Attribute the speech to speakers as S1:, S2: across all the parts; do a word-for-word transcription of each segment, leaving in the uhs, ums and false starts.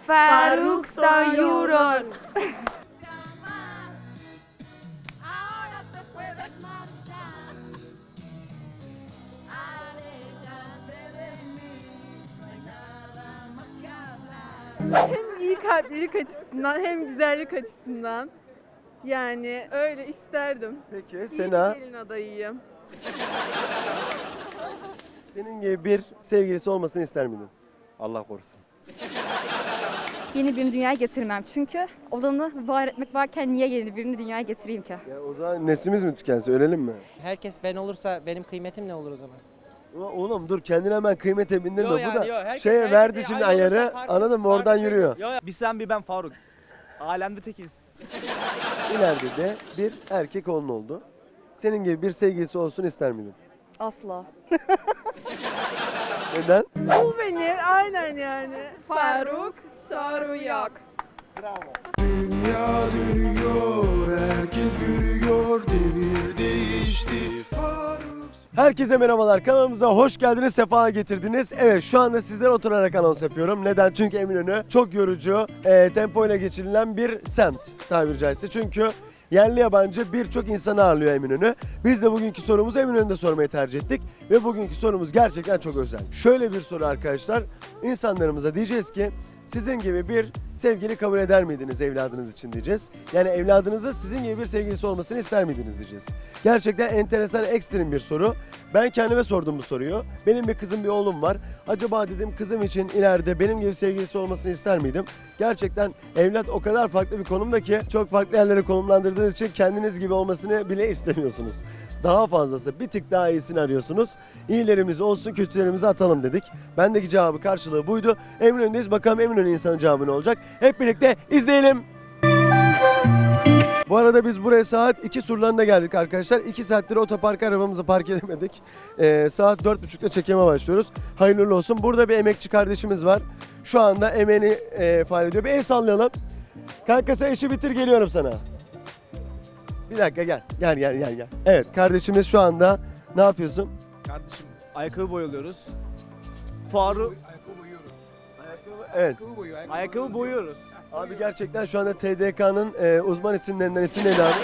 S1: Faruk Sayuron.
S2: Hem iyi kalplilik açısından hem güzellik açısından. Yani öyle isterdim.
S3: Peki
S2: İyi
S3: Sena,
S2: bir gelin adayıyım.
S3: senin gibi bir sevgilisi olmasını ister miydin? Allah korusun.
S1: Yeni birini dünyaya getirmem. Çünkü olanı var etmek varken niye yeni birini dünyaya getireyim ki?
S3: Ya o zaman neslimiz mi tükense ölelim mi?
S4: Herkes ben olursa benim kıymetim ne olur o zaman?
S3: Ulan oğlum dur kendine hemen kıymete bindirme.
S4: Yo
S3: Bu
S4: yani,
S3: da
S4: yo, herkes-
S3: şeye
S4: herkes
S3: verdi
S4: de
S3: şimdi
S4: aynı
S3: ayarı,
S4: olursa farklı-
S3: anladın mı? Oradan
S4: farklı
S3: yürüyor.
S4: Yo, yo.
S5: Bir sen bir ben Faruk. Alemde tekiz.
S3: İleride de bir erkek oğlun oldu. Senin gibi bir sevgilisi olsun ister miydin?
S2: Asla.
S3: Neden?
S2: Bul beni aynen yani. Faruk Sarıyak.
S6: Dünya dönüyor, herkes görüyor, devir değişti. Faruk.
S3: Herkese merhabalar. Kanalımıza hoş geldiniz, sefa getirdiniz. Evet, şu anda sizlere oturarak anons yapıyorum. Neden? Çünkü Eminönü çok yorucu, e, tempoyla geçirilen bir semt tabiri caizse. Çünkü yerli yabancı birçok insanı ağırlıyor Eminönü. Biz de bugünkü sorumuzu Eminönü'nde sormayı tercih ettik. Ve bugünkü sorumuz gerçekten çok özel. Şöyle bir soru arkadaşlar. İnsanlarımıza diyeceğiz ki sizin gibi bir sevgili kabul eder miydiniz evladınız için diyeceğiz. Yani evladınızda sizin gibi bir sevgilisi olmasını ister miydiniz diyeceğiz. Gerçekten enteresan, ekstrem bir soru. Ben kendime sordum bu soruyu. Benim bir kızım, bir oğlum var. Acaba dedim kızım için ileride benim gibi sevgilisi olmasını ister miydim? Gerçekten evlat o kadar farklı bir konumda ki çok farklı yerlere konumlandırdığınız için kendiniz gibi olmasını bile istemiyorsunuz. Daha fazlası, bir tık daha iyisini arıyorsunuz. İyilerimiz olsun, kötülerimizi atalım dedik. Bendeki cevabı, karşılığı buydu. Eminönü'ndeyiz. Bakalım Eminönü insanın cevabı ne olacak? Hep birlikte izleyelim. Bu arada biz buraya saat iki surlarında geldik arkadaşlar. iki saattir otoparka arabamızı park edemedik. Ee, saat dört buçukta çekime başlıyoruz. Hayırlı uğurlu olsun. Burada bir emekçi kardeşimiz var. Şu anda emeğini e, faal ediyor. Bir el sallayalım. Kanka sen işi bitir, geliyorum sana. Bir dakika gel. Gel gel gel gel. Evet, kardeşimiz şu anda ne yapıyorsun?
S5: Kardeşim ayakkabı boyuyoruz. Faruk
S3: Evet.
S5: ayakkabı boyuyoruz.
S3: Abi gerçekten şu anda T D K'nın e, uzman isimlerinden isim neydi abi?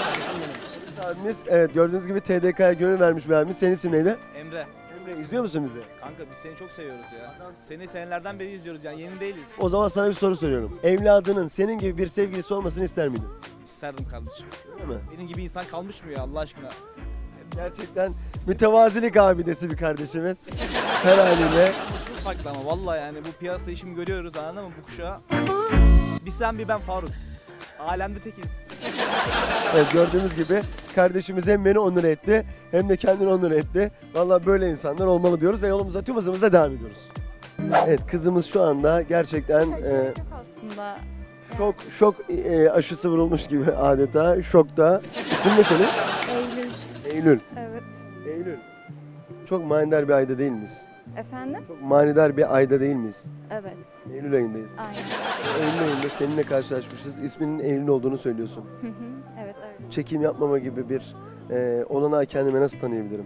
S3: Abimiz, evet gördüğünüz gibi T D K'ya gönül vermiş bir abimiz. Senin isim neydi?
S5: Emre.
S3: Emre, izliyor musun bizi?
S5: Kanka biz seni çok seviyoruz ya. Seni senelerden beri izliyoruz yani yeni değiliz.
S3: O zaman sana bir soru soruyorum. Evladının senin gibi bir sevgilisi olmasını ister miydin?
S5: İsterdim kardeşim.
S3: Öyle mi?
S5: Benim gibi insan kalmış mı ya Allah aşkına?
S3: Gerçekten mütevazilik abidesi bir kardeşimiz. Her haliyle.
S5: Konuşmamız farklı ama vallahi yani bu piyasa işimi görüyoruz anladın mı bu kuşağı? Bir sen bir ben Faruk. Alemde tekiz.
S3: Evet, gördüğümüz gibi kardeşimiz hem beni onur etti hem de kendini onur etti. Vallahi böyle insanlar olmalı diyoruz ve yolumuza tüm hızımızla devam ediyoruz. Evet, kızımız şu anda gerçekten e,
S1: Çok aslında.
S3: şok şok e, aşısı vurulmuş gibi adeta şokta. İsim ne senin?
S1: Eylül.
S3: Eylül.
S1: Evet.
S3: Eylül. Çok manidar bir ayda değil miyiz?
S1: Efendim?
S3: Çok manidar bir ayda değil miyiz?
S1: Evet.
S3: Eylül ayındayız.
S1: Aynen.
S3: Eylül ayında seninle karşılaşmışız. İsminin Eylül olduğunu söylüyorsun.
S1: Hı hı. Evet evet.
S3: Çekim yapmama gibi bir e, olanağı kendime nasıl tanıyabilirim?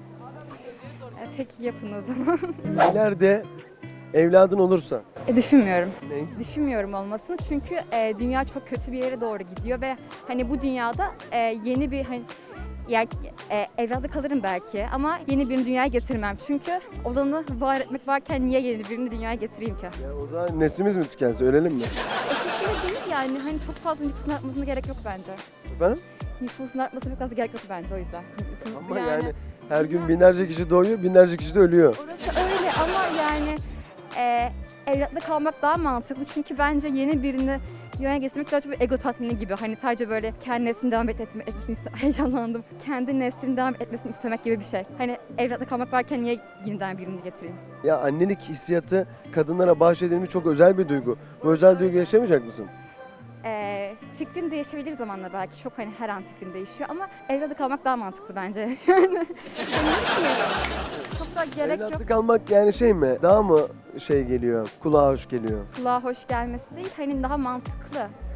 S1: E, peki yapın o zaman.
S3: İleride evladın olursa
S1: E, düşünmüyorum.
S3: ne?
S1: Düşünmüyorum olmasını çünkü e, dünya çok kötü bir yere doğru gidiyor ve hani bu dünyada e, yeni bir hani yani e, evladı kalırım belki ama yeni birini dünyaya getirmem çünkü olanı var etmek varken niye yeni birini dünyaya getireyim ki?
S3: Ya o zaman neslimiz mi tükense ölelim mi?
S1: O şekilde değil yani hani çok fazla nüfusun artmasına gerek yok bence.
S3: Efendim?
S1: Nüfusun artmasına çok fazla gerek yok bence o yüzden.
S3: Ama yani her gün binlerce kişi doğuyor, binlerce kişi de ölüyor.
S1: Orası öyle ama yani e, evlatla kalmak daha mantıklı çünkü bence yeni birini dünyaya getirmek daha çok bir ego tatmini gibi. Hani sadece böyle kendi neslini devam et, etme, etmesini iste- heyecanlandım. Kendi neslini devam etmesini istemek gibi bir şey. Hani evlatla kalmak varken niye yeniden birini getireyim?
S3: Ya annelik hissiyatı kadınlara bahşedilmiş çok özel bir duygu. Bu özel duygu yaşamayacak mısın?
S1: E, fikrim değişebilir zamanla belki. Çok hani her an fikrim değişiyor ama evlatla kalmak daha mantıklı bence. Yani hani çok da gerek yok.
S3: Evlatlık almak yani şey mi? Daha mı şey geliyor, kulağa hoş geliyor?
S1: Kulağa hoş gelmesi değil, hani daha mantıklı.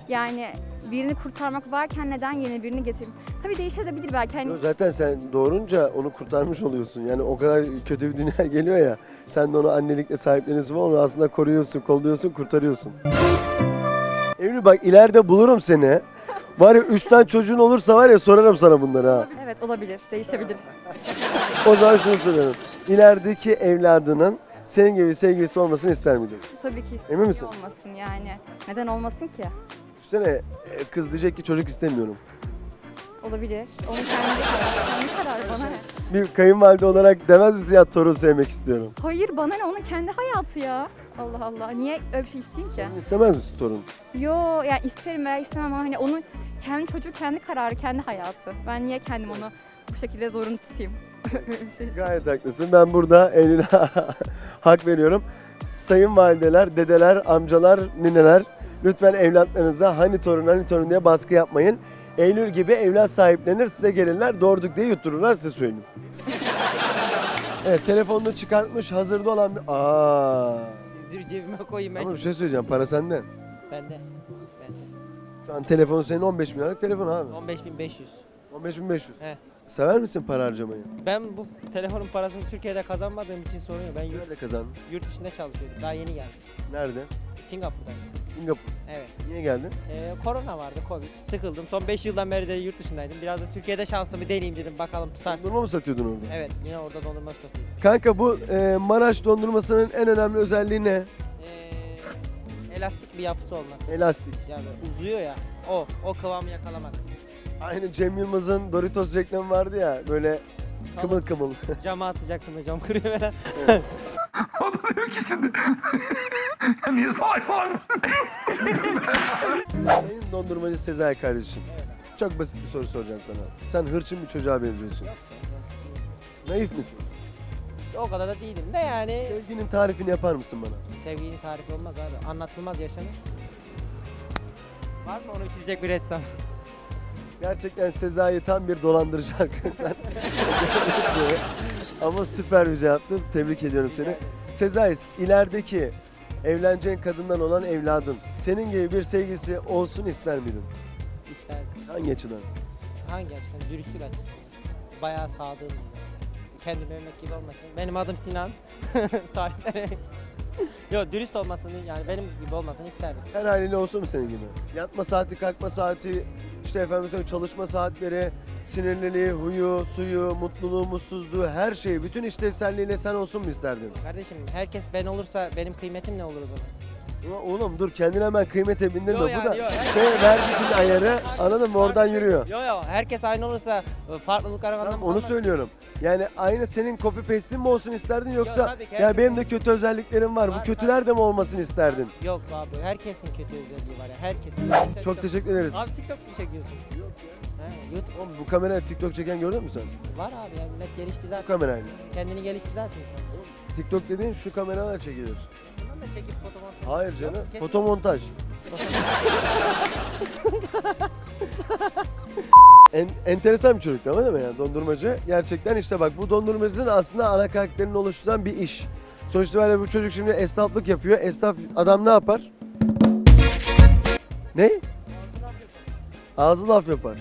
S1: Yani birini kurtarmak varken neden yeni birini getireyim? Tabii değişebilir belki. Hani
S3: Yo, zaten sen doğurunca onu kurtarmış oluyorsun. Yani o kadar kötü bir dünya geliyor ya. Sen de onu annelikle sahipleniyorsun ama onu aslında koruyorsun, kolluyorsun, kurtarıyorsun. Eylül bak ileride bulurum seni. Var ya üç tane çocuğun olursa var ya sorarım sana bunları ha.
S1: evet olabilir, değişebilir.
S3: O zaman şunu soruyorum. İlerideki evladının senin gibi sevgilisi olmasını ister miydin?
S1: Tabii ki
S3: Emin misin?
S1: olmasın yani. Neden olmasın ki?
S3: Düşünsene e, kız diyecek ki çocuk istemiyorum.
S1: Olabilir. Onun kendi kararı. Kendi kararı bana ne?
S3: Bir kayınvalide olarak demez misin ya torun sevmek istiyorum?
S1: Hayır bana ne? Onun kendi hayatı ya. Allah Allah. Niye öyle bir şey isteyeyim ki?
S3: İstemez misin torun?
S1: Yo yani isterim veya istemem ama hani onun kendi çocuğu, kendi kararı, kendi hayatı. Ben niye kendim onu bu şekilde zorunlu tutayım? Öyle bir şey için.
S3: Gayet haklısın. Ben burada Eylül'e hak veriyorum. Sayın valideler, dedeler, amcalar, nineler lütfen evlatlarınıza hani torun hani torun diye baskı yapmayın. Eylül gibi evlat sahiplenir, size gelirler, doğurduk diye yuttururlar, size söyleyeyim. Evet, telefonunu çıkartmış, hazırda olan bir... Aa.
S4: Dur cebime koyayım ben.
S3: Ama bir şey söyleyeceğim, para sende.
S4: Bende. Bende.
S3: Şu an telefonu senin on beş bin liralık telefon abi.
S4: on beş bin beş yüz.
S3: on beş bin beş yüz.
S4: He.
S3: Sever misin para harcamayı?
S4: Ben bu telefonun parasını Türkiye'de kazanmadığım için sorun yok. Ben yurt,
S3: Nerede kazandın?
S4: yurt dışında çalışıyordum. Daha yeni geldim.
S3: Nerede?
S4: Singapur'da.
S3: Singapur.
S4: Evet.
S3: Niye geldin?
S4: Ee, korona vardı, Covid. Sıkıldım. Son beş yıldan beri de yurt dışındaydım. Biraz da Türkiye'de şansımı deneyeyim dedim. Bakalım tutar.
S3: Dondurma mı satıyordun orada?
S4: Evet, yine orada dondurma ustasıyım.
S3: Kanka bu e, Maraş dondurmasının en önemli özelliği ne?
S4: Ee, elastik bir yapısı olması.
S3: Elastik.
S4: Yani uzuyor ya. O, o kıvamı yakalamak.
S3: Aynı Cem Yılmaz'ın Doritos reklamı vardı ya böyle kımıl kımıl.
S4: Cama atacaksın da cam kırıyor falan.
S6: O da diyor ki şimdi niye salak falan?
S3: Sayın dondurmacı Sezai kardeşim.
S4: Evet.
S3: Çok basit bir soru soracağım sana. Sen hırçın bir çocuğa benziyorsun.
S4: Yok, yok.
S3: Naif misin?
S4: O kadar da değilim de yani.
S3: Sevginin tarifini yapar mısın bana?
S4: Sevginin tarifi olmaz abi. Anlatılmaz yaşanır. Var mı onu çizecek bir ressam?
S3: Gerçekten Sezai tam bir dolandırıcı arkadaşlar. Ama süper bir cevaptı. Tebrik ediyorum seni. Sezai, ilerideki evleneceğin kadından olan evladın senin gibi bir sevgilisi olsun ister miydin?
S4: İsterdim.
S3: Hangi açıdan?
S4: Hangi açıdan? Dürüstlük açısından. Bayağı sadığım. Kendim örnek gibi olmasın. Benim adım Sinan. Tariflere. Yok dürüst olmasını yani benim gibi olmasını isterdim.
S3: Her haliyle olsun mu senin gibi? Yatma saati, kalkma saati, işte efendim söyleyeyim çalışma saatleri, sinirliliği, huyu, suyu, mutluluğu, mutsuzluğu, her şeyi, bütün işlevselliğiyle sen olsun mu isterdin?
S4: Kardeşim herkes ben olursa benim kıymetim ne olur o zaman?
S3: Ulan oğlum dur kendine hemen kıymete bindirme.
S4: Yo
S3: Bu
S4: yani,
S3: da
S4: yo, herkes-
S3: şey verdi şimdi ayarı, anladın mı? Oradan yürüyor.
S4: Yo yo herkes aynı olursa farklılıklar
S3: Tamam,
S4: anlamı
S3: onu
S4: olmaz.
S3: söylüyorum. Yani aynı senin copy paste'in mi olsun isterdin yoksa
S4: tabii ki,
S3: ya
S4: herkes
S3: benim de
S4: olsun.
S3: kötü özelliklerim var. Bu
S4: Var,
S3: kötüler de mi olmasını isterdin?
S4: Yok abi herkesin kötü özelliği var ya herkesin.
S3: Çok teşekkür ederiz.
S4: Abi TikTok mu çekiyorsun? Yok ya. He, YouTube
S3: Oğlum bu kameraya TikTok çeken gördün mü sen?
S4: var abi ya millet gelişti
S3: Bu
S4: zaten.
S3: kamerayla.
S4: Kendini gelişti zaten insan.
S3: TikTok dediğin şu kameralar çekilir.
S4: Bundan da çekip fotoğraf.
S3: Hayır canım.
S4: Yok, kesin.
S3: Fotomontaj. En, enteresan bir çocuk ama değil mi yani dondurmacı? Gerçekten işte bak bu dondurmacının aslında ana karakterini oluşturan bir iş. Sonuçta böyle bu çocuk şimdi esnaflık yapıyor. Esnaf adam ne yapar? Ne? Ağzı laf yapar.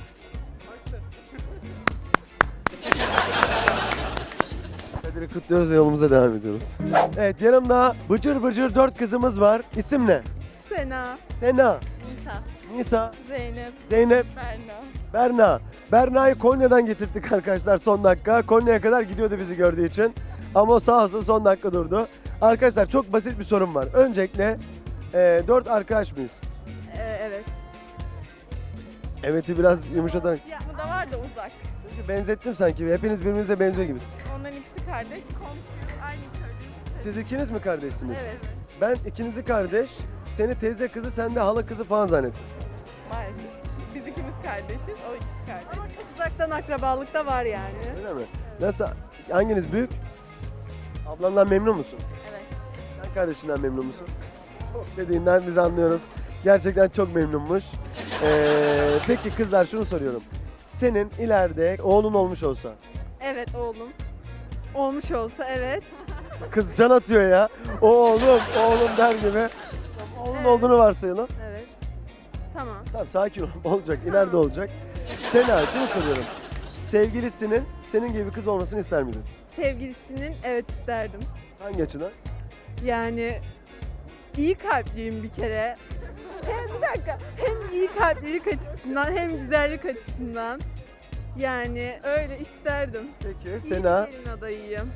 S3: Kadir'i kutluyoruz ve yolumuza devam ediyoruz. Evet yanımda bıcır bıcır dört kızımız var. İsim ne?
S2: Sena,
S3: Sena,
S2: Nisa,
S3: Nisa,
S2: Zeynep,
S3: Zeynep,
S2: Berna.
S3: Berna. Berna'yı Konya'dan getirdik arkadaşlar son dakika. Konya'ya kadar gidiyordu bizi gördüğü için. Ama o sağ olsun son dakika durdu. Arkadaşlar çok basit bir sorum var. Öncelikle e, dört arkadaş mıyız?
S2: Ee, evet.
S3: Evet'i biraz yumuşatarak.
S2: Bu da var da uzak.
S3: Çünkü benzettim sanki. Hepiniz birbirinize benziyor gibisiniz.
S2: Onların ikisi kardeş, komşu, aynı köylü.
S3: Siz ikiniz mi kardeşsiniz?
S2: Evet,
S3: Ben ikinizi kardeş, seni teyze kızı, sen de hala kızı falan zannettim.
S2: maalesef. Biz ikimiz kardeşiz, o ikisi kardeş. Ama çok uzaktan akrabalık da var yani.
S3: Öyle mi? Nasıl? Hanginiz büyük? Ablandan memnun musun?
S2: Evet.
S3: Sen kardeşinden memnun musun? Çok dediğinden biz anlıyoruz. Gerçekten çok memnunmuş. Ee, peki kızlar şunu soruyorum. Senin ileride oğlun olmuş olsa.
S2: Evet oğlum. Olmuş olsa evet.
S3: Kız can atıyor ya. O oğlum, oğlum der gibi. Oğlun
S2: Evet.
S3: olduğunu varsayalım.
S2: Evet. Tamam.
S3: Tamam sakin ol. Olacak. İleride olacak. Sena şunu soruyorum. Sevgilisinin senin gibi bir kız olmasını ister miydin?
S2: Sevgilisinin evet isterdim.
S3: Hangi açıdan?
S2: Yani iyi kalpliyim bir kere. Hem bir dakika hem iyi kalplilik açısından hem güzellik açısından. Yani öyle isterdim.
S3: Peki
S2: İyi
S3: Sena
S2: bir gelin adayıyım.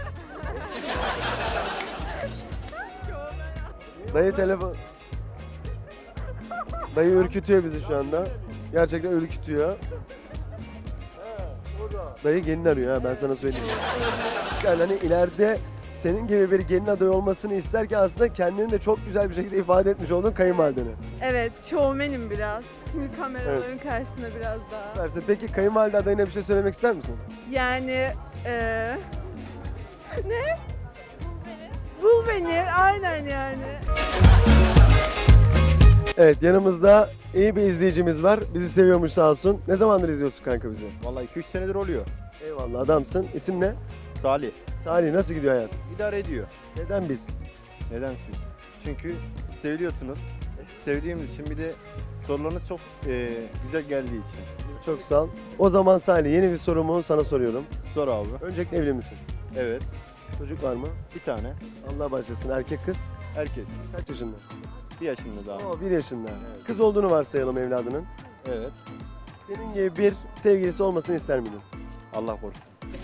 S3: dayı telefon Dayı ürkütüyor bizi şu anda. Gerçekten ürkütüyor. Dayı gelin arıyor ha ben sana söyleyeyim. Yani hani ileride senin gibi bir gelin adayı olmasını isterken aslında kendini de çok güzel bir şekilde ifade etmiş oldun kayınvalideni.
S2: Evet, şovmenim biraz. Şimdi kameraların karşısında biraz daha.
S3: Verse. Peki kayınvalide adayına bir şey söylemek ister misin?
S2: Yani eee ne? Bul beni, aynen yani.
S3: Evet yanımızda iyi bir izleyicimiz var. Bizi seviyormuş sağ olsun. Ne zamandır izliyorsun kanka bizi?
S7: Vallahi iki üç senedir oluyor.
S3: Eyvallah adamsın. İsim ne?
S7: Salih.
S3: Salih nasıl gidiyor hayat?
S7: İdare ediyor.
S3: Neden biz?
S7: Neden siz? Çünkü seviliyorsunuz. Sevdiğimiz için bir de sorularınız çok eee, güzel geldiği için.
S3: Çok sağ ol. O zaman Salih yeni bir sorumu sana soruyorum.
S7: Sor abi.
S3: Öncelikle evli misin?
S7: Evet.
S3: Çocuk var mı?
S7: Bir tane.
S3: Allah bağışlasın. Erkek kız?
S7: Erkek.
S3: Kaç yaşında?
S7: Bir yaşında daha.
S3: Oo bir yaşında.
S7: Evet.
S3: Kız olduğunu varsayalım evladının.
S7: Evet.
S3: Senin gibi bir sevgilisi olmasını ister miydin?
S7: Allah korusun.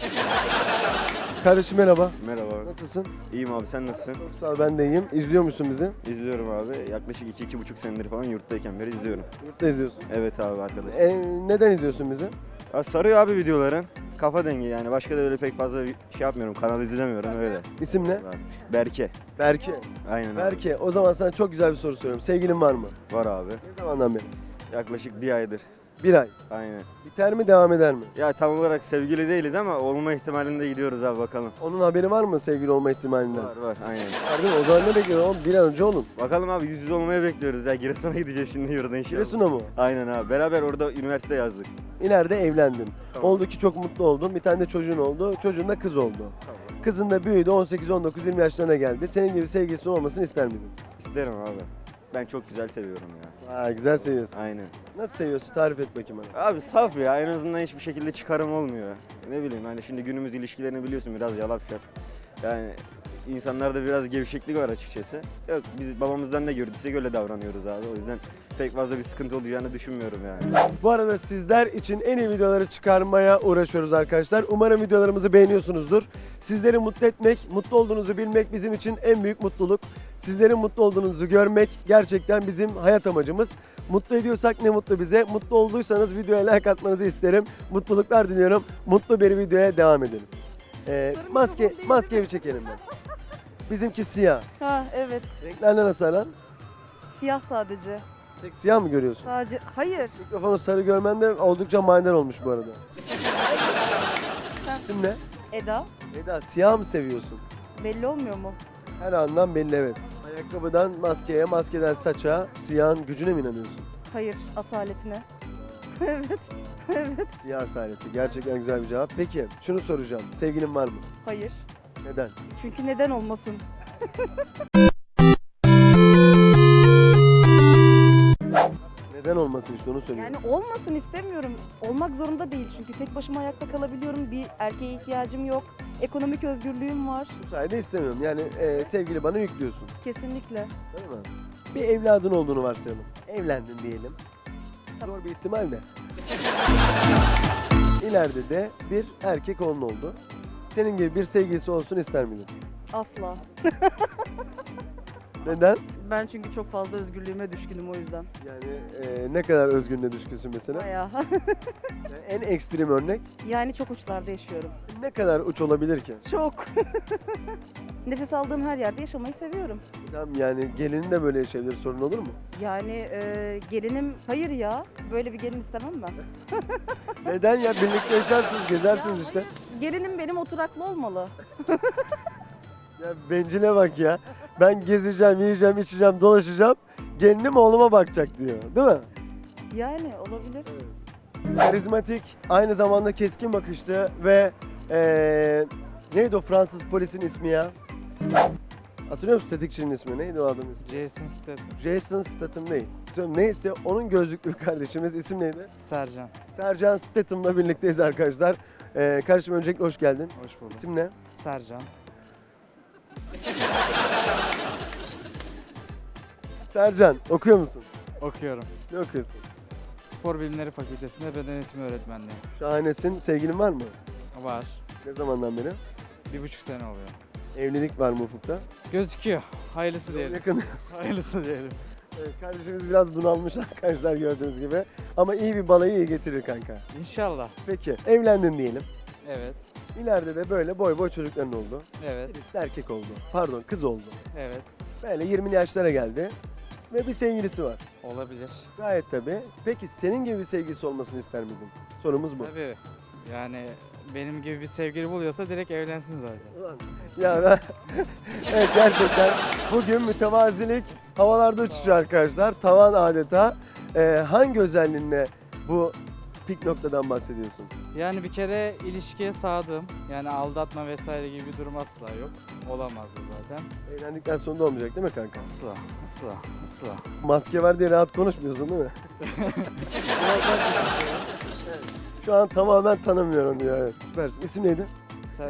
S3: Kardeşim merhaba.
S8: Merhaba.
S3: Nasılsın?
S8: İyiyim abi, sen nasılsın?
S3: Çok sağ ol ben de iyiyim. İzliyor musun bizi?
S8: İzliyorum abi. Yaklaşık iki iki buçuk senedir falan yurttayken beri izliyorum.
S3: Yurtta izliyorsun.
S8: Evet abi arkadaş.
S3: E, neden izliyorsun bizi?
S8: Ya sarıyor abi videoların. Kafa dengi yani. Başka da öyle pek fazla bir şey yapmıyorum. Kanalı izlemiyorum öyle.
S3: İsim ne?
S8: Berke.
S3: Berke.
S8: Aynen abi.
S3: Berke o zaman sana çok güzel bir soru soruyorum. Sevgilin var mı?
S8: Var abi.
S3: Ne zamandan beri?
S8: Yaklaşık bir aydır.
S3: Bir ay.
S8: Aynen.
S3: Biter mi devam eder mi?
S8: Ya tam olarak sevgili değiliz ama olma ihtimalinde gidiyoruz abi bakalım.
S3: Onun haberi var mı sevgili olma ihtimalinden?
S8: Var var aynen.
S3: Var değil mi? O zaman ne bekliyorsun oğlum? Bir an önce olun.
S8: Bakalım abi yüz yüze olmaya bekliyoruz ya. Giresun'a gideceğiz şimdi yurda inşallah.
S3: Giresun'a mı?
S8: Aynen abi. Beraber orada üniversite yazdık.
S3: İleride evlendin.
S8: Tamam.
S3: Oldu ki çok mutlu oldun. Bir tane de çocuğun oldu. Çocuğun da kız oldu.
S8: Tamam.
S3: Kızın da büyüdü. on sekiz, on dokuz, yirmi yaşlarına geldi. Senin gibi sevgilisi olmasını ister miydin?
S8: İsterim abi. Ben çok güzel seviyorum ya.
S3: Aa, güzel seviyorsun.
S8: Aynen.
S3: Nasıl seviyorsun? Tarif et bakayım bana.
S8: Abi saf ya, en azından hiçbir şekilde çıkarım olmuyor. Ne bileyim hani şimdi günümüz ilişkilerini biliyorsun biraz yalap şap. Yani insanlarda biraz gevşeklik var açıkçası. Yok biz babamızdan ne gördüysek öyle davranıyoruz abi. O yüzden pek fazla bir sıkıntı olacağını düşünmüyorum yani.
S3: Bu arada sizler için en iyi videoları çıkarmaya uğraşıyoruz arkadaşlar. Umarım videolarımızı beğeniyorsunuzdur. Sizleri mutlu etmek, mutlu olduğunuzu bilmek bizim için en büyük mutluluk. Sizlerin mutlu olduğunuzu görmek gerçekten bizim hayat amacımız. Mutlu ediyorsak ne mutlu bize. Mutlu olduysanız videoya like atmanızı isterim. Mutluluklar diliyorum. Mutlu bir videoya devam edelim. Ee, maske, maske bir çekelim ben. Bizimki siyah.
S9: Ha evet.
S3: Renklerle nasıl aran?
S9: Siyah sadece.
S3: Tek siyah mı görüyorsun?
S9: Sadece hayır.
S3: Mikrofonu sarı görmen de oldukça manidar olmuş bu arada. İsim ne?
S9: Eda.
S3: Eda siyah mı seviyorsun?
S9: Belli olmuyor mu?
S3: Her andan belli evet. Ayakkabıdan maskeye, maskeden saça, siyahın gücüne mi inanıyorsun?
S9: Hayır. Asaletine. evet. Evet.
S3: Siyah asaleti. Gerçekten güzel bir cevap. Peki şunu soracağım. Sevgilin var mı?
S9: Hayır.
S3: Neden?
S9: Çünkü neden olmasın?
S3: Neden olmasın işte onu söylüyorum.
S9: Yani olmasın istemiyorum. Olmak zorunda değil çünkü tek başıma ayakta kalabiliyorum. Bir erkeğe ihtiyacım yok. Ekonomik özgürlüğüm var.
S3: Bu sayede istemiyorum. Yani e, sevgili bana yüklüyorsun.
S9: Kesinlikle.
S3: Değil mi? Bir evladın olduğunu varsayalım. Evlendin diyelim. Zor bir ihtimal de. İleride de bir erkek oğlun oldu. Senin gibi bir sevgilisi olsun ister miydin?
S9: Asla.
S3: Neden?
S9: Ben çünkü çok fazla özgürlüğüme düşkünüm o yüzden.
S3: Yani e, ne kadar özgürlüğüne düşkünsün mesela?
S9: Bayağı.
S3: Yani en ekstrem örnek
S9: yani çok uçlarda yaşıyorum.
S3: ne kadar uç olabilir ki?
S9: Çok. Nefes aldığım her yerde yaşamayı seviyorum.
S3: Tamam yani gelinin de böyle yaşayabilir sorun olur mu?
S9: Yani e, gelinim hayır ya. Böyle bir gelin istemem ben.
S3: Neden ya? Birlikte yaşarsınız, gezersiniz işte.
S9: Gelinim benim oturaklı olmalı.
S3: Ya bencile bak ya. Ben gezeceğim, yiyeceğim, içeceğim, dolaşacağım. Gelinim oğluma bakacak diyor. Değil mi?
S9: Yani olabilir.
S3: Karizmatik, aynı zamanda keskin bakışlı ve eee neydi o Fransız polisin ismi ya? Hatırlıyor musun tetikçinin ismi? Neydi o adamın ismi?
S10: Jason Statham.
S3: Jason Statham değil. Söyleyeyim, neyse onun gözlüklü bir kardeşimiz. İsim neydi?
S10: Sercan.
S3: Sercan Statham'la birlikteyiz arkadaşlar. Ee, kardeşim öncelikle hoş geldin.
S10: Hoş bulduk.
S3: İsim ne?
S10: Sercan.
S3: Sercan. Okuyor musun?
S10: Okuyorum.
S3: Ne okuyorsun?
S10: Spor Bilimleri Fakültesinde beden eğitimi öğretmenliği.
S3: Şahanesin. Sevgilin var mı?
S10: Var.
S3: Ne zamandan beri?
S10: Bir buçuk sene oluyor.
S3: Evlilik var mı ufukta?
S10: Gözüküyor. Hayırlısı diyelim.
S3: Yakın.
S10: Hayırlısı diyelim.
S3: Evet, kardeşimiz biraz bunalmış arkadaşlar gördüğünüz gibi. Ama iyi bir balayı iyi getirir kanka.
S10: İnşallah.
S3: Peki evlendin diyelim.
S10: Evet.
S3: İleride de böyle boy boy çocukların oldu.
S10: Evet.
S3: Birisi de erkek oldu. Pardon kız oldu.
S10: Evet.
S3: Böyle yirmili yaşlara geldi. Ve bir sevgilisi var.
S10: Olabilir.
S3: Gayet tabii. Peki senin gibi bir sevgilisi olmasını ister miydin? Sorumuz bu.
S10: Tabii. Yani benim gibi bir sevgili buluyorsa direkt evlensin zaten.
S3: Ulan, ya ben... evet gerçekten bugün mütevazilik havalarda uçuşuyor arkadaşlar. Tavan adeta. Ee, hangi özelliğinle bu pik noktadan bahsediyorsun?
S10: Yani bir kere ilişkiye sadığım. Yani aldatma vesaire gibi bir durum asla yok. Olamazdı zaten.
S3: Evlendikten sonra da olmayacak değil mi kanka?
S10: Asla. Asla. Asla.
S3: Maske var diye rahat konuşmuyorsun değil mi? Şu an tamamen tanımıyorum diyor. Evet. Süpersin. İsim neydi?
S10: Sen...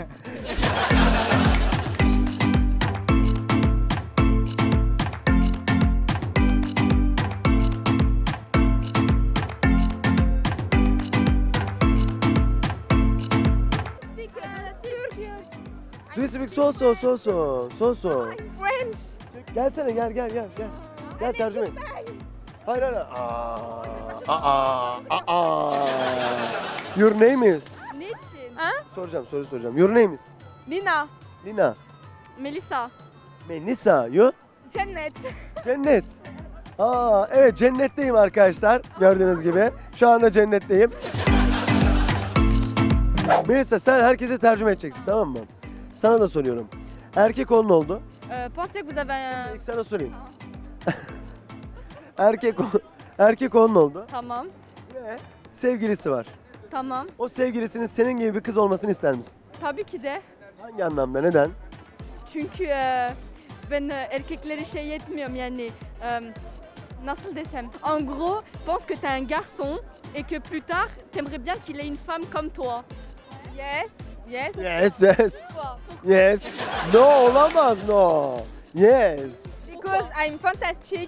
S3: Do you speak so so so so so so?
S2: French.
S3: Gelsene gel gel gel gel. Gel tercüme et. Hayır hayır. Aa, aa, aa, aa. Your name is?
S1: Niçin?
S3: Soracağım soru soracağım. Your name is?
S2: Lina.
S3: Lina.
S1: Melisa.
S3: Melisa. You?
S2: Cennet.
S3: Cennet. Aa evet cennetteyim arkadaşlar. Gördüğünüz gibi. Şu anda cennetteyim. Melisa sen herkese tercüme edeceksin tamam mı? Sana da soruyorum. Erkek onun oldu.
S1: Euh, pensez que vous avez un...
S3: İlk sana sorayım. erkek o- erkek onun oldu.
S1: Tamam.
S3: Ve sevgilisi var.
S1: Tamam.
S3: O sevgilisinin senin gibi bir kız olmasını ister misin?
S1: Tabii ki de.
S3: Hangi anlamda? Neden?
S1: Çünkü e, ben e, erkekleri şey yetmiyorum yani e, nasıl desem. En gros, pense que t'es un garçon et que plus tard, t'aimerais bien qu'il ait une femme comme toi. Yes. Yes.
S3: Yes, yes,
S1: Pourquoi?
S3: yes. No olamaz no. Yes.
S2: Because I'm fantastic.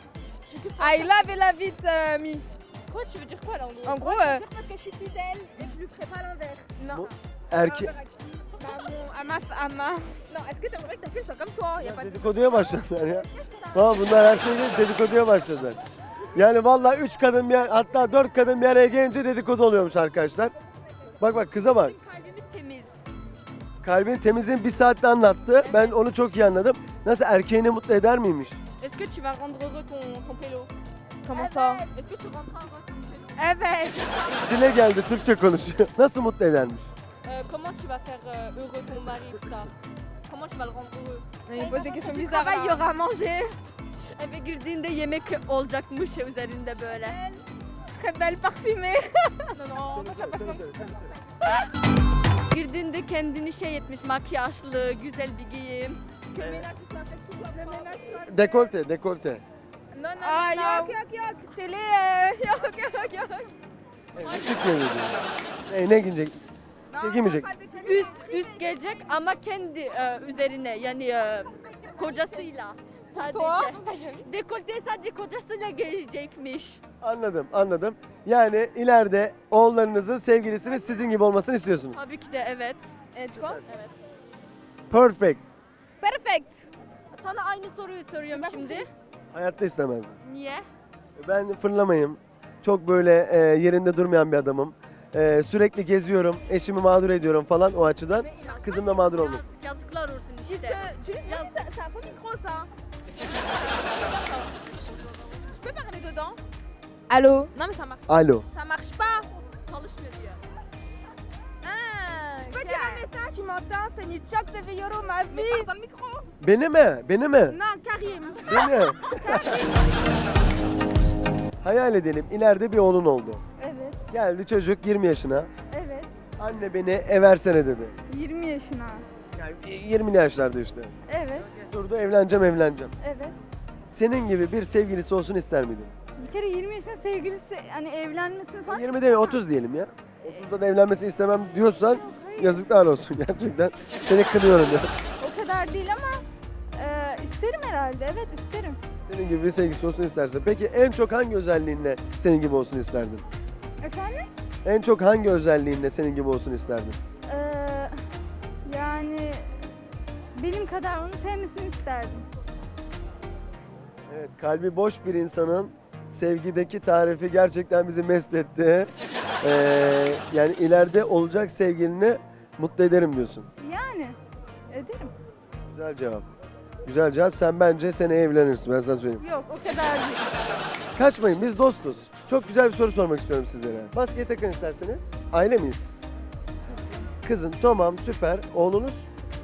S2: I love et la vite euh, me.
S1: Quoi, tu veux dire quoi là en gros?
S2: En gros, euh,
S1: Parce que je suis fidèle et je lui ferai pas l'inverse.
S2: non.
S3: Bon. Erkek...
S2: Bah, mon- à ma, à ma... Non, est-ce que t'aimerais que ta fille soit comme toi? Y a pas de...
S3: Dedikoduya başladılar ya. Tamam bunlar her şey değil dedikoduya başladılar. Yani vallahi üç kadın bir hatta dört kadın bir araya gelince dedikodu oluyormuş arkadaşlar. Bak bak kıza bak.
S1: Bizim kalbimiz temiz.
S3: Kalbin temizliğini bir saatte anlattı. Ben onu çok iyi anladım. Nasıl erkeğini mutlu eder miymiş?
S1: Est-ce que tu vas rendre heureux ton, ton pélo?
S2: Comment ça?
S1: Est-ce que tu rendras heureux ton pélo?
S2: Evet.
S3: Dile geldi Türkçe konuşuyor. Nasıl mutlu edermiş?
S1: Euh, comment tu vas faire euh, heureux ton mari tout ça? Comment tu vas le rendre heureux?
S2: Il pose des questions
S1: Du
S2: bizarres.
S1: travail, il y
S2: là.
S1: aura à manger. Eve girdiğinde yemek olacakmış üzerinde böyle.
S2: Je serais belle parfumée.
S1: Non, non, moi, je sais pas comme- Girdiğinde kendini şey etmiş, makyajlı, güzel bir giyim.
S2: Que le ménage soit fait, tout soit propre.
S3: Dekolte, dekolte.
S1: Non, non,
S2: Ah,
S1: non.
S2: yok yok yok. Télé, euh, yok yok yok.
S3: Küçük geliyor. Ne, ne giyecek? Şey giymeyecek.
S1: Üst, üst gelecek ama kendi e, üzerine yani e, kocasıyla. Sadece. Dekolte sadece kocasıyla gelecekmiş.
S3: Anladım, anladım. Yani ileride oğullarınızın sevgilisinin sizin gibi olmasını istiyorsunuz.
S1: Tabii ki de evet.
S2: Et tu crois?
S1: Evet.
S3: Perfect.
S2: Perfect.
S1: Sana aynı soruyu soruyorum şimdi.
S3: Hayatta istemezdim.
S1: Niye?
S3: Ben fırlamayım. Çok böyle e, yerinde durmayan bir adamım. E, sürekli geziyorum, eşimi mağdur ediyorum falan o açıdan. Kızım da mağdur olmasın.
S1: Yazıklar olsun
S2: Tu
S1: işte.
S2: tu c'est c'est un faux micro ça. Je peux parler dedans? Allô? Non mais ça marche.
S3: Alo.
S2: Ça marche pas.
S1: Çalışmıyor diyor.
S2: Ah, je peux dire un message, tu m'entends? C'est Nitchak de Villoro, ma vie. Mais dans le micro.
S3: Beni mi? Beni mi?
S2: Non, Karim.
S3: Beni. Hayal edelim ileride bir oğlun oldu.
S2: Evet,
S3: Geldi çocuk yirmi yaşına.
S2: evet.
S3: Anne beni eversene dedi.
S2: yirmi yaşına.
S3: Yani yirmili yaşlarda işte.
S1: Evet,
S3: Durdu evleneceğim evleneceğim.
S1: evet.
S3: Senin gibi bir sevgilisi olsun ister miydin?
S1: Bir kere yirmi yaşında sevgilisi hani evlenmesini falan...
S3: yirmi değil otuz diyelim ya. otuzda da evlenmesini istemem diyorsan yazıklar olsun gerçekten. Seni kınıyorum ya.
S1: O kadar değil ama e, isterim herhalde. Evet isterim.
S3: Senin gibi bir sevgilisi olsun isterse. Peki en çok hangi özelliğinle senin gibi olsun isterdin?
S1: Efendim?
S3: En çok hangi özelliğinle senin gibi olsun isterdin?
S1: Ee, yani benim kadar onu sevmesini isterdim.
S3: Evet, kalbi boş bir insanın sevgideki tarifi gerçekten bizi mest etti. Ee, yani ileride olacak sevgilini mutlu ederim diyorsun.
S1: Yani ederim.
S3: Güzel cevap. Güzel cevap. Sen bence seneye evlenirsin ben sana söyleyeyim.
S1: Yok o kadar değil.
S3: Kaçmayın biz dostuz. Çok güzel bir soru sormak istiyorum sizlere. Maskeyi takın isterseniz. Aile miyiz? Kızın tamam süper. Oğlunuz?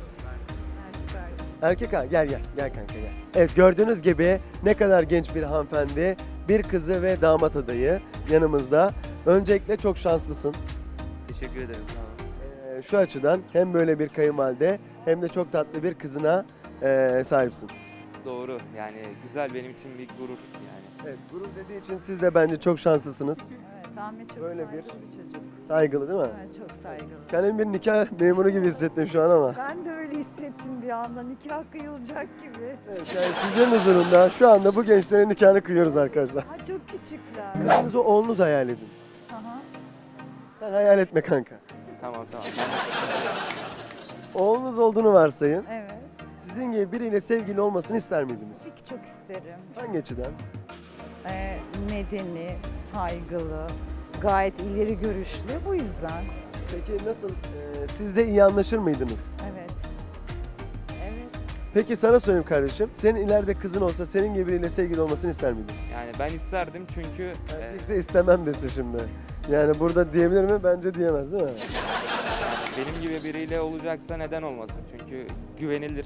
S3: Erkek ha gel gel gel kanka gel. Evet gördüğünüz gibi ne kadar genç bir hanımefendi. Bir kızı ve damat adayı yanımızda. Öncelikle çok şanslısın.
S11: Teşekkür ederim. Sağ olun.
S3: Ee, şu açıdan hem böyle bir kayınvalide hem de çok tatlı bir kızına ee, sahipsin.
S11: Doğru. Yani güzel benim için bir gurur yani.
S3: Evet gurur dediği için siz de bence çok şanslısınız.
S12: Evet, Ahmet çok
S3: Böyle
S12: saygılı
S3: bir-
S12: bir çocuk.
S3: Saygılı değil mi?
S12: Evet, çok saygılı.
S3: Kendimi bir nikah memuru gibi hissettim şu an ama.
S12: Ben de öyle hissettim bir anda. Nikah kıyılacak gibi.
S3: Evet, yani sizlerin huzurunda şu anda bu gençlerin nikahını kıyıyoruz arkadaşlar.
S12: Ha, çok küçükler.
S3: Kızınızı oğlunuz hayal edin.
S12: Aha.
S3: Sen hayal etme kanka.
S11: Tamam tamam. Ben de
S3: Oğlunuz olduğunu varsayın.
S12: Evet.
S3: Sizin gibi biriyle sevgili olmasını ister miydiniz?
S12: Tabii ki çok isterim.
S3: Hangi açıdan?
S12: Ee, medeni, saygılı, gayet ileri görüşlü. Bu yüzden.
S3: Peki nasıl? Ee, siz de iyi anlaşır mıydınız?
S12: Evet. Evet.
S3: Peki sana sorayım kardeşim. Senin ileride kızın olsa senin gibi biriyle sevgili olmasını ister miydin?
S11: yani ben isterdim çünkü e,
S3: Erkekse istemem desin şimdi. Yani burada diyebilir mi? Bence diyemez değil mi?
S11: benim gibi biriyle olacaksa neden olmasın? Çünkü güvenilir.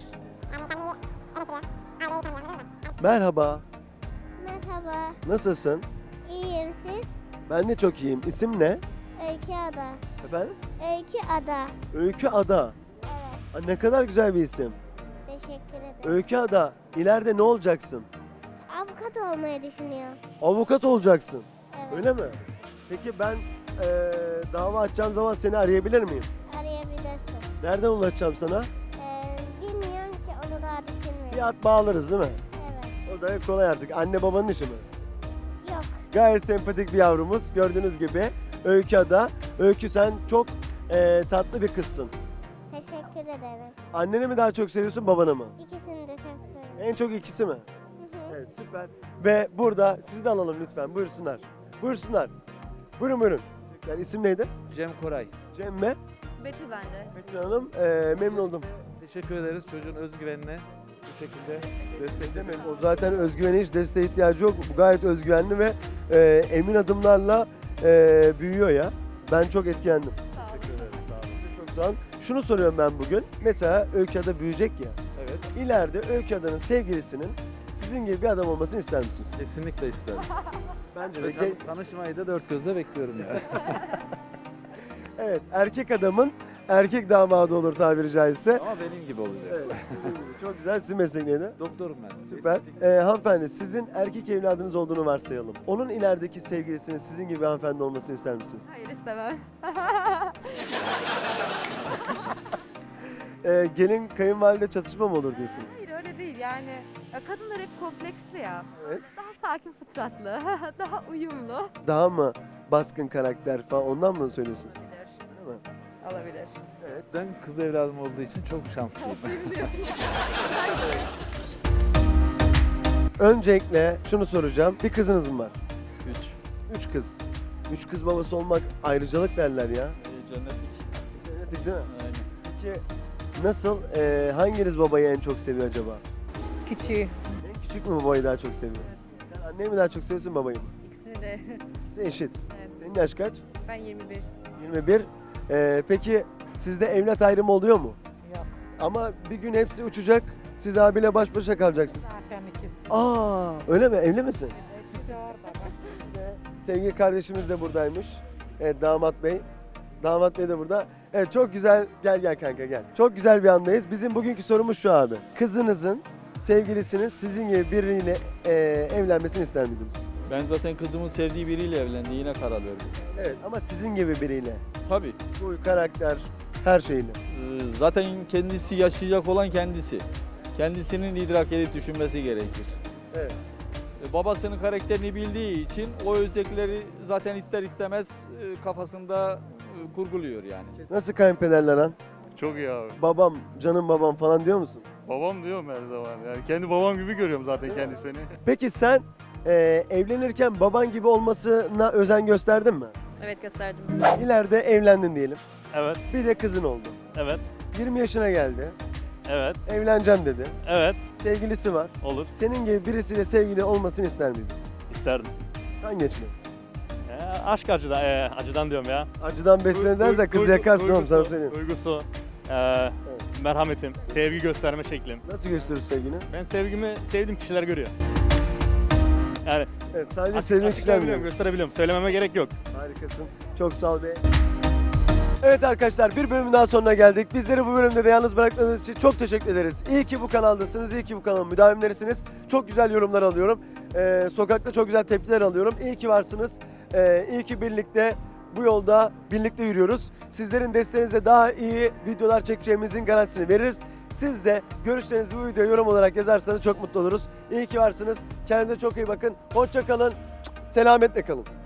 S3: Merhaba.
S1: Merhaba.
S3: Nasılsın?
S1: İyiyim siz?
S3: Ben de çok iyiyim. İsim ne?
S1: Öykü Ada.
S3: Efendim?
S1: Öykü Ada.
S3: Öykü Ada.
S1: Evet.
S3: Aa, ne kadar güzel bir isim.
S1: Teşekkür ederim.
S3: Öykü Ada. İleride ne olacaksın?
S1: Avukat olmayı düşünüyorum.
S3: Avukat olacaksın.
S1: Evet.
S3: Öyle mi? Peki ben eee, dava açacağım zaman seni arayabilir miyim?
S1: Arayabilirsin.
S3: Nereden ulaşacağım sana?
S1: Ee, bilmiyorum ki onu daha düşünmedim.
S3: Bir at bağlarız değil mi?
S1: Evet.
S3: O da kolay artık. Anne babanın işi mi?
S1: Yok.
S3: Gayet sempatik bir yavrumuz. Gördüğünüz gibi Öykü Ada. Öykü sen çok eee, tatlı bir kızsın.
S1: Teşekkür ederim.
S3: Anneni mi daha çok seviyorsun babanı mı?
S1: İkisini de çok seviyorum.
S3: En çok ikisi mi?
S1: Hı hı.
S3: Evet süper. Ve burada sizi de alalım lütfen. Buyursunlar. Buyursunlar. Buyurun buyurun. Yani isim neydi?
S10: Cem Koray.
S3: Cem mi?
S1: Betül bende.
S3: Betül Hanım. Eee, memnun oldum.
S10: Teşekkür ederiz çocuğun özgüvenine bu şekilde desteklemek.
S3: O zaten özgüvene hiç desteğe ihtiyacı yok. Bu gayet özgüvenli ve eee, emin adımlarla eee, büyüyor ya. Ben çok etkilendim.
S10: Teşekkür ederiz. Sağ olun.
S3: Çok sağ olun. Şunu soruyorum ben bugün. Mesela Öykü Ada büyüyecek ya.
S10: Evet.
S3: İleride Öykü Ada'nın sevgilisinin sizin gibi bir adam olmasını ister misiniz?
S10: Kesinlikle isterim.
S3: Bence de.
S10: Ve tan- tanışmayı da dört gözle bekliyorum yani.
S3: Evet, erkek adamın erkek damadı olur tabiri caizse.
S10: Ama benim gibi olacak.
S3: Evet, sizin gibi. Çok güzel. Sizin mesleğiniz neydi?
S10: Doktorum ben.
S3: Süper.
S10: Estetik-
S3: Ee, hanımefendi, sizin erkek evladınız olduğunu varsayalım. Onun ilerideki sevgilisinin sizin gibi bir hanımefendi olmasını ister misiniz?
S1: Hayır istemem.
S3: Ee, gelin kayınvalide çatışma mı olur diyorsunuz?
S1: Hayır öyle değil yani. Ya kadınlar hep kompleksli ya.
S3: Evet.
S1: Daha sakin fıtratlı, daha uyumlu.
S3: Daha mı baskın karakter falan ondan mı söylüyorsunuz?
S1: Olabilir.
S3: Değil mi?
S1: Olabilir.
S3: Evet.
S10: Ben kız evladım olduğu için çok şanslıyım.
S3: Öncelikle şunu soracağım. Bir kızınız mı var?
S10: Üç.
S3: Üç kız. Üç kız babası olmak ayrıcalık derler ya.
S10: Ee, cennetlik.
S3: Cennetlik değil mi?
S10: Aynen.
S3: Peki nasıl, e, hanginiz babayı en çok seviyor acaba?
S2: Küçüğü.
S3: En küçük mü babayı daha çok seviyor? Sen anneyi mi daha çok seviyorsun babayı mı?
S1: İkisini de.
S3: İkisi eşit.
S1: Evet.
S3: Senin yaş kaç?
S1: Ben yirmi bir.
S3: yirmi bir. E, peki sizde evlat ayrımı oluyor mu?
S12: Yok.
S3: Ama bir gün hepsi uçacak, siz abiyle baş başa kalacaksınız.
S12: Zaten iki.
S3: Aa, öyle mi? Evli misin?
S12: İkisi orada bak.
S3: İşte sevgili kardeşimiz de buradaymış. Evet, damat bey. Damat bey de burada. Evet çok güzel. Gel gel kanka gel. Çok güzel bir andayız. Bizim bugünkü sorumuz şu abi. Kızınızın sevgilisinin sizin gibi biriyle e, evlenmesini ister miydiniz?
S13: Ben zaten kızımın sevdiği biriyle evlendiğine karar verdim.
S3: Evet ama sizin gibi biriyle.
S13: Tabii.
S3: Huy, karakter, her şeyle.
S13: Ee, Zaten kendisi yaşayacak olan kendisi. Kendisinin idrak edip düşünmesi gerekir.
S3: Evet.
S13: Ee, Babasının karakterini bildiği için o özellikleri zaten ister istemez e, kafasında e, kurguluyor yani.
S3: Nasıl kayınpederler lan?
S14: Çok iyi abi.
S3: Babam, canım babam falan diyor musun?
S14: Babam diyorum her zaman. Yani kendi babam gibi görüyorum zaten kendisini.
S3: Peki sen e, evlenirken baban gibi olmasına özen gösterdin mi?
S1: Evet gösterdim.
S3: İleride evlendin diyelim.
S14: Evet,
S3: Bir de kızın oldu.
S14: evet,
S3: yirmi yaşına geldi.
S14: evet,
S3: Evleneceğim dedi.
S14: evet.
S3: Sevgilisi var.
S14: Olur.
S3: Senin gibi birisiyle sevgili olmasını ister miydin?
S14: İsterdim.
S3: Hangi açıdan?
S14: Ee, aşk acıdan, ee, acıdan diyorum ya.
S3: Acıdan beslenir dersen kız yakarsın oğlum sana söyleyeyim.
S14: Duygusu, ee, merhametim, sevgi gösterme şeklim.
S3: Nasıl gösterir sevgini?
S14: Ben sevgimi sevdiğim kişiler görüyor. Yani
S3: Evet sadece
S14: açık,
S3: sevdiğin kişiler
S14: açıklayabiliyorum,
S3: mi?
S14: gösterebiliyorum. Söylememe gerek yok.
S3: Harikasın. Çok sağ ol be. Evet arkadaşlar bir bölümün daha sonuna geldik. Bizleri bu bölümde de yalnız bıraktığınız için çok teşekkür ederiz. İyi ki bu kanaldasınız, iyi ki bu kanalın müdavimlerisiniz. Çok güzel yorumlar alıyorum. Ee, sokakta çok güzel tepkiler alıyorum. İyi ki varsınız. Ee, iyi ki birlikte bu yolda birlikte yürüyoruz. Sizlerin desteğinizle daha iyi videolar çekeceğimizin garantisini veririz. Siz de görüşlerinizi bu videoya yorum olarak yazarsanız çok mutlu oluruz. İyi ki varsınız. Kendinize çok iyi bakın. Hoşça kalın. Selametle kalın.